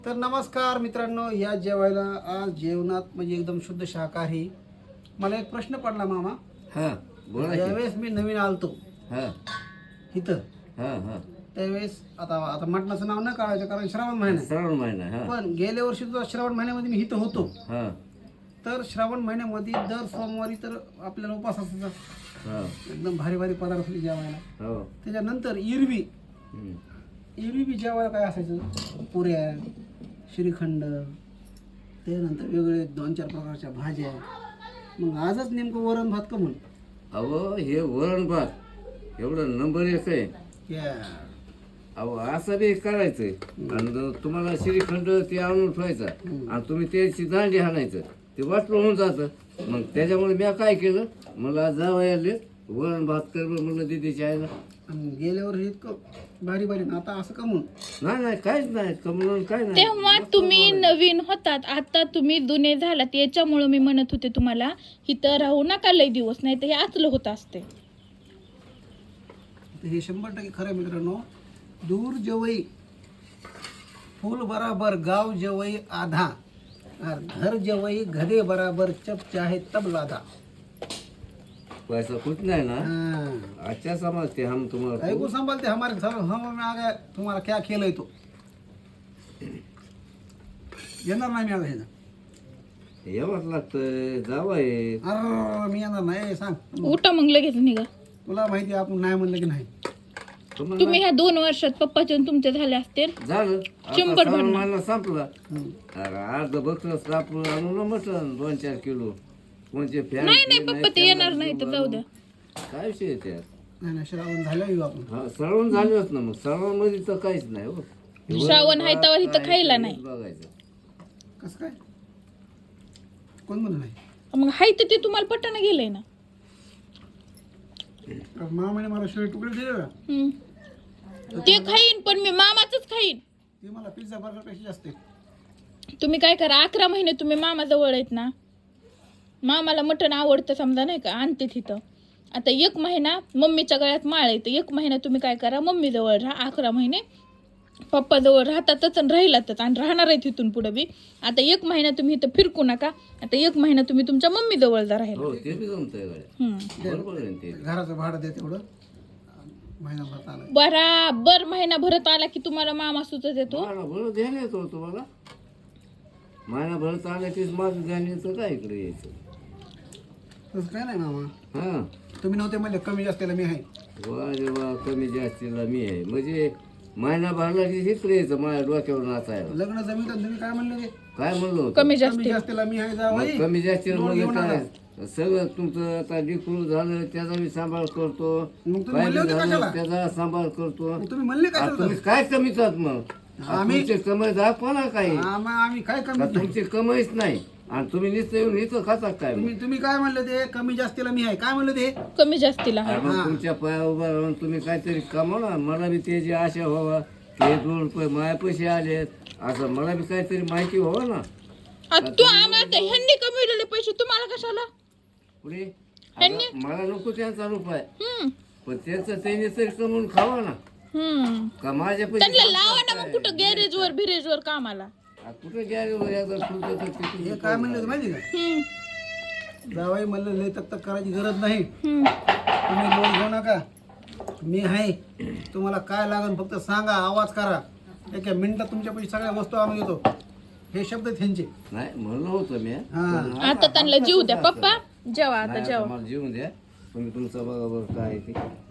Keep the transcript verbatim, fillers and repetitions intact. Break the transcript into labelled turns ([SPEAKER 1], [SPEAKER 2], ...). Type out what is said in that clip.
[SPEAKER 1] तर नमस्कार मित्रांनो, या जेवायला आज जेवणात म्हणजे एकदम शुद्ध शाकाहारी. मला एक प्रश्न पडला मामा.
[SPEAKER 2] हा बोला की.
[SPEAKER 1] ज्यावेळेस मी नवीन आलतो
[SPEAKER 2] हा
[SPEAKER 1] इथं,
[SPEAKER 2] हा हा
[SPEAKER 1] त्यावेळेस आता आता मटणाचं नाव न काढायचं कारण श्रावण महिना आहे.
[SPEAKER 2] श्रावण महिना. हा
[SPEAKER 1] पण गेल्या वर्षी सुद्धा श्रावण महिन्यामध्ये मी इथं होतो.
[SPEAKER 2] हा
[SPEAKER 1] तर श्रावण महिन्यामध्ये दर सोमवारी तर आपल्याला उपास असायचा.
[SPEAKER 2] हा
[SPEAKER 1] एकदम भारी भारी पदार्थ होते जेवायला.
[SPEAKER 2] हो.
[SPEAKER 1] त्याच्यानंतर इरवी
[SPEAKER 2] हम्म.
[SPEAKER 1] इरवी बी जेवायला काय असायचं, पुऱ्या, श्रीखंड, त्यानंतर वेगळे दोन चार प्रकारच्या भाज्या. मग आजच नेमकं वरण भात का म्हणून
[SPEAKER 2] अहो हे वरण भात एवढं नंबर एक आहे.
[SPEAKER 1] या
[SPEAKER 2] अहो असं बी करायचं आणि तुम्हाला श्रीखंड ते आणून ठेवायचा आणि तुम्ही त्याची दांडी हाणायचं, ते वाटलं होऊन जातं. मग त्याच्यामुळे मी काय केलं, मला जावं आले वरण भात कर बरं म्हणलं दिदीच्या आईला.
[SPEAKER 1] आणि गेल्या वर्षी इतकं भारी भारी ना, आता असं का म्हणून
[SPEAKER 2] नाही नाही काहीच नाही कमवून काय नाही.
[SPEAKER 3] तेव्हा तुम्ही नवीन होतात, आता तुम्ही जुने झालात. याच्यामुळे मी म्हणत होते तुम्हाला इथं राहू नका लय दिवस, नाही तर हे आचलं होत असते.
[SPEAKER 1] तर हे शंभर टक्के खरं आहे मित्रांनो. दूर जवई फूल बराबर, गाव जवई आधा, और घर जवई घरे बराबर, चप चाहे तब लाधा.
[SPEAKER 2] पैसा कुछ नाही ना.
[SPEAKER 1] हाँ.
[SPEAKER 2] अच्छा समझते हम तुम्हाला.
[SPEAKER 1] ऐकू संभालते हमारे घर हम में आ गया, तुम्हाला क्या खेल आहे तो. येणार नाही मी आता हे.
[SPEAKER 2] यावंच लागतं जावं आहे.
[SPEAKER 1] अरे मी येणार नाही, सांग.
[SPEAKER 3] उठा मग लगेच निघा.
[SPEAKER 1] तुला माहिती आहे, आपण नाही म्हणलं की नाही.
[SPEAKER 2] तुम्हाला
[SPEAKER 3] तुम्ही ह्या दोन वर्षात पप्पाचे आणि तुमचे झाले असतील
[SPEAKER 2] झालं आता
[SPEAKER 3] चिंबड
[SPEAKER 2] श्रावण
[SPEAKER 3] भरणं.
[SPEAKER 2] महिना संपला.
[SPEAKER 1] हम्म.
[SPEAKER 2] अरे अर्ध बकरं कापून आणून ना मटण दोन चार किलो. कोणचे फॅन
[SPEAKER 3] नाही नाही पप्पा ते येणार नाही तर जाऊ द्या.
[SPEAKER 2] काय विषय आहे त्यात.
[SPEAKER 1] नाही नाही, श्रावण झालं येऊ आपण.
[SPEAKER 2] हा श्रावण झालेच ना. मग श्रावण मध्ये तर काहीच नाही हो.
[SPEAKER 3] श्रावण आहे तेव्हा इथं खायला नाही.
[SPEAKER 2] बघायचं
[SPEAKER 1] कसं काय, कोण म्हणलं नाही.
[SPEAKER 3] मग हाय तर ते तुम्हाला पटाना गेलंय ना.
[SPEAKER 1] मामाने मला शिळे तुकडे दिले का,
[SPEAKER 3] हम्म. ते खाईन पण मी मामाचंच खाईन.
[SPEAKER 1] ते मला पिझ्झा बर्गर पेक्षा जास्त आहे.
[SPEAKER 3] तुम्ही काय करा, अकरा महिने तुम्ही मामा जवळ आहेत ना, मामाला मटण आवडतं समजा नाही का, आणते तिथं. आता एक महिना मम्मीच्या गळ्यात माळ आहे, तर एक महिना तुम्ही काय करा, मम्मी जवळ राहा. अकरा महिने पप्पा जवळ राहतातच आणि राहिलातच आणि राहणार आहे तिथून पुढे बी. आता एक महिना तुम्ही इथं फिरकू नका. आता एक महिना तुम्ही तुमच्या मम्मी जवळ जा राहिला.
[SPEAKER 2] हो ते बी जमतंय गड्या.
[SPEAKER 3] हम्म.
[SPEAKER 2] बरोबर आहे ते.
[SPEAKER 1] घराचं भाडं दे तेवढं, महिना भरत आलं.
[SPEAKER 3] बराबर महिना भरत आला की तुम्हाला मामा सुचत येतो.
[SPEAKER 2] मला बरं ध्यान येतो तुम्हाला. महिना भरत आल्या की माझं ध्यान येतं काय इकडे यायचं.
[SPEAKER 1] तसं काय नाही मामा,
[SPEAKER 2] हा
[SPEAKER 1] तुम्ही नव्हते म्हणजे कमी जास्तीला मी आहे.
[SPEAKER 2] वा रे वा कमी जास्तीला मी आहे म्हणजे महिना भरला की इकडे यायचं माझ्या डोक्यावर नाचायला.
[SPEAKER 1] लग्न जमीन तुम्ही काय म्हणले ते,
[SPEAKER 2] काय म्हणलो होतो.
[SPEAKER 3] कमी
[SPEAKER 1] कमी
[SPEAKER 3] जास्त
[SPEAKER 1] जास्तीला मी आहे. जा
[SPEAKER 2] मग
[SPEAKER 1] बाई.
[SPEAKER 2] कमी जास्तीला
[SPEAKER 1] लोड
[SPEAKER 2] म्हणजे
[SPEAKER 1] घेऊ
[SPEAKER 2] काय
[SPEAKER 1] नका.
[SPEAKER 2] सगळं तुमचं आता डिक्रू झालं त्याचा मी सांभाळ करतो.
[SPEAKER 1] मग तुम्ही
[SPEAKER 2] काय
[SPEAKER 1] म्हणले होते
[SPEAKER 2] झालं
[SPEAKER 1] कशाला?
[SPEAKER 2] त्याचा सांभाळ करतो.
[SPEAKER 1] मग तुम्ही म्हणले काय
[SPEAKER 2] आता तुम्ही काय कमीच आहात मग.
[SPEAKER 1] आम्ही-
[SPEAKER 2] तुमचे कमाई दाखवा ना काही.
[SPEAKER 1] आम्ही काय कमी
[SPEAKER 2] का
[SPEAKER 1] नाही.
[SPEAKER 2] तुमची कमाईच नाही आणि तुम्ही नुसतं येऊन इथं खाता काय मग?
[SPEAKER 1] तुम्ही तुम्ही काय म्हणले ते, कमी जास्तीला मी आहे काय म्हणलं ते.
[SPEAKER 3] कमी जास्तीला आहे.
[SPEAKER 2] अरे मग तुमच्या पाया उभा राहून तुम्ही काहीतरी कमाव ना. मला बी त्याची आशा व्हावा हे दोन रुपये माया पैसे आलेत असं मला बी काहीतरी माहिती व्हावं ना.
[SPEAKER 3] आता तू आम्हाला तर ह्यांनी कमविलेले पैसे तुम्हाला कशाला.
[SPEAKER 2] पुढे आता मला नको त्यांचा रुपये,
[SPEAKER 3] हम्म
[SPEAKER 2] पण त्याचं त्याने तरी कमवून खावा ना.
[SPEAKER 3] हम्म
[SPEAKER 2] का माझ्या
[SPEAKER 3] त्यांना
[SPEAKER 2] पैसे
[SPEAKER 3] लावा ना मग कुठं गॅरेज वर बिरेज वर कामाला.
[SPEAKER 2] कुठे गॅरेजवर एकदा सुटलं तर
[SPEAKER 1] हे
[SPEAKER 2] तिथे
[SPEAKER 1] काय म्हणलं ते माहिती का,
[SPEAKER 3] हम्म
[SPEAKER 1] जावाई म्हणलं लय तक तक करायची गरज नाही,
[SPEAKER 3] हम्म
[SPEAKER 1] तुम्ही लोन घेऊ नका, मी आहे. तुम्हाला काय लागेल फक्त सांगा, आवाज करा, एका मिनिटात तुमच्या पैसे सगळ्या वस्तू आणून येतो. हे शब्द आहेत ह्यांचे.
[SPEAKER 2] नाही म्हणलं होतं मी.
[SPEAKER 1] हा.
[SPEAKER 2] पण
[SPEAKER 3] आता त्यांना जीव द्या पप्पा, जेवा आता
[SPEAKER 2] नाही,
[SPEAKER 3] जेवा.
[SPEAKER 2] आता मला जीवन द्या. तुम्ही तुमचं बघा बरं काय आहे ते.